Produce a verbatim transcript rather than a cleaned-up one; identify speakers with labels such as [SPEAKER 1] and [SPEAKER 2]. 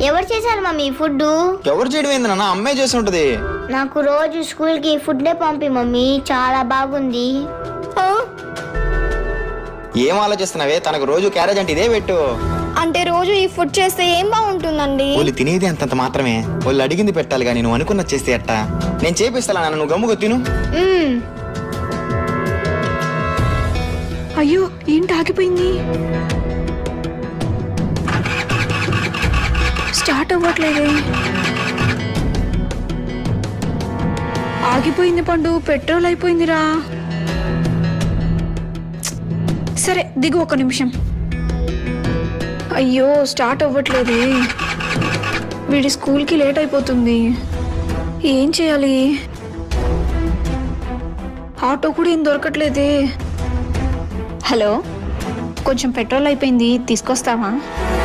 [SPEAKER 1] ఎవరు చేశారు mummy food?
[SPEAKER 2] ఎవరు చేయడం ఏంది నాన్న, అమ్మాయి చేసి ఉంటది.
[SPEAKER 1] నాకు రోజు స్కూల్ కి ఫుడ్డే పంపి మమ్మీ, చాలా బాగుంది.
[SPEAKER 2] ఏం ఆలోచిస్తున్నావే, తనకు రోజు క్యారేజ్ అంటే ఇదే పెట్టు.
[SPEAKER 3] అంటే రోజు ఈ ఫుడ్ చేస్తే ఏం బాగుంటుందండి?
[SPEAKER 2] వాళ్ళు తినేది అంతంత మాత్రమే, వాళ్ళు అడిగింది పెట్టాలి కానీ నువ్వు అనుకున్నది చేస్తే ఎట్టా? నేను చేపిస్తా నాన్న, నువ్వు గమ్ముగా తిను.
[SPEAKER 4] అయ్యో ఏంటి ఆగిపోయింది? స్టార్ట్ అవ్వట్లేదే. ఆగిపోయింది పండు, పెట్రోల్ అయిపోయిందిరా. సరే దిగు ఒక నిమిషం. అయ్యో స్టార్ట్ అవ్వట్లేదే. వీడి స్కూల్కి లేట్ అయిపోతుంది. ఏం చేయాలి? ఆటో కూడా ఏం దొరకట్లేదే. హలో, కొంచెం పెట్రోల్ అయిపోయింది, తీసుకొస్తావా?